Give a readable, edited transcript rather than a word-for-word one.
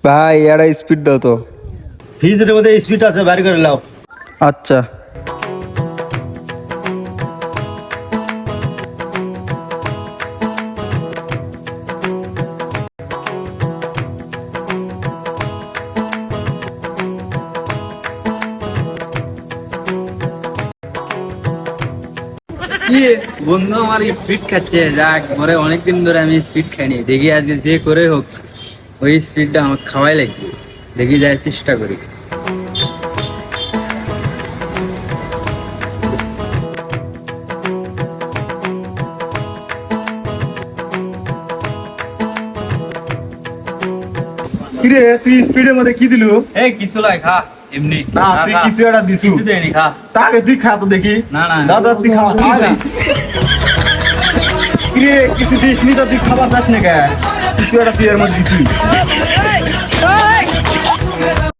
ভাই এটা স্পিড দাও তো। ফ্রিজের মধ্যে স্পিড আছে, বাইরে করে নাও। আচ্ছা কি বন্ধু আমার স্পিড খাচ্ছে, যাক পরে অনেকদিন ধরে আমি স্পিড খাইনি, দেখি আজকে যে করে হোক ওই স্পিডটা আমার খাওয়াই লাগবে, দেখি যায় চেষ্টা করি। কিরে তুই স্পিডের মধ্যে কি দিলু? এই কিছু লাই খা এমনি। না তুই কিছু একটা দিছু। কিছু দেয়নি, খা। তাকে তুই খা তো দেখি। না, না। দাদা তুই খাওয়া কিরে কিছু দিস নি তো তুই খাবার চাস না কে? কিছু একটা তুই এর মধ্যে দিছিস।